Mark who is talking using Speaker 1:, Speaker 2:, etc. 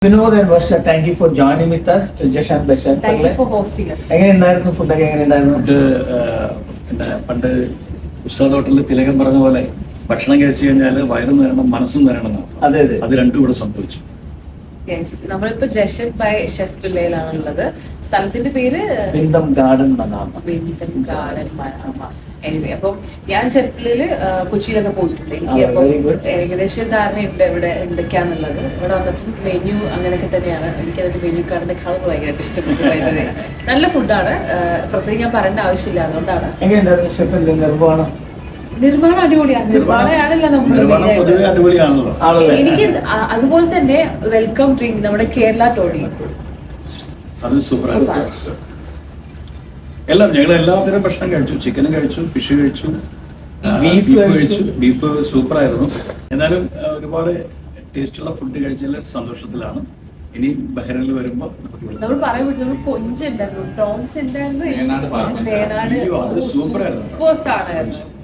Speaker 1: Vinod and Varsha, thank you for joining with us to Jashan Bashan.
Speaker 2: Thank you for hosting us.
Speaker 1: എങ്ങനെയുണ്ടായിരുന്നു ഫുഡൊക്കെ? എങ്ങനെയുണ്ടായിരുന്നു?
Speaker 3: പിന്നെ പണ്ട് ഉസ്താദ് ഹോട്ടലിൽ തിലകൻ പറഞ്ഞ പോലെ ഭക്ഷണം കഴിച്ചു കഴിഞ്ഞാൽ വയറും നേരണം മനസ്സും നേരണം.
Speaker 1: അതെ അതെ,
Speaker 3: അത് രണ്ടും ഇവിടെ സംഭവിച്ചു.
Speaker 2: നമ്മളിപ്പോ ജഷൻ ബൈ ഷെഫ് പിള്ളയിലാണുള്ളത്. സ്ഥലത്തിന്റെ പേര്
Speaker 1: ബിന്ദം ഗാർഡൻ മനാമ.
Speaker 2: ബിന്ദം ഗാർഡൻ മനാമ. എനിവേ, അപ്പം ഞാൻ ഷെഫ് പിള്ളയില് കൊച്ചിയിലൊക്കെ പോയിട്ടുണ്ട്. എനിക്ക്
Speaker 1: very
Speaker 2: അപ്പം
Speaker 1: good.
Speaker 2: ഏകദേശം ധാരണയുണ്ട് ഇവിടെ എന്തൊക്കെയാന്നുള്ളത്. ഇവിടെ വന്നപ്പോൾ മെനു അങ്ങനെയൊക്കെ തന്നെയാണ്. എനിക്കതിന്റെ മെനു കാർഡിന്റെ കളർ ഭയങ്കരമായിട്ട് ഇഷ്ടപ്പെട്ടു. നല്ല ഫുഡാണ്, പ്രത്യേകം ഞാൻ പറയേണ്ട ആവശ്യമില്ല. അതുകൊണ്ടാണ്.
Speaker 1: എങ്ങനെയുണ്ടായിരുന്നു ഷെഫിന്റെ നിർവ്വഹണം?
Speaker 2: നിർമ്മാണം അടിപൊളിയാണ്. നിർമ്മാണമാണല്ലോ
Speaker 3: പൊതുവെ അടിപൊളിയാണല്ലോ.
Speaker 1: ആണല്ലേ?
Speaker 2: എനിക്ക് അതുപോലെ തന്നെ വെൽക്കം ഡ്രിങ്ക് നമ്മുടെ കേരള ടോഡി
Speaker 3: അത് സൂപ്പറാണ്. ഞങ്ങൾ എല്ലാത്തരം ഭക്ഷണം കഴിച്ചു. ചിക്കനും കഴിച്ചു, ഫിഷ് കഴിച്ചു, ബീഫ് കഴിച്ചു. ബീഫ് സൂപ്പറായിരുന്നു. എന്നാലും ഒരുപാട് ടേസ്റ്റുള്ള ഫുഡ് കഴിച്ചതിൽ സന്തോഷത്തിലാണ്. ഇനി ബഹ്റൈനിൽ വരുമ്പോൾ
Speaker 2: നമ്മൾ പറയാൻ പറ്റും. നമ്മൾ കൊഞ്ചുണ്ടായിരുന്നു, പ്രോൺസ് ഉണ്ടായിരുന്നു,
Speaker 3: സൂപ്പറായിരുന്നു.
Speaker 2: സൂപ്പർ സാധനമായിരുന്നു.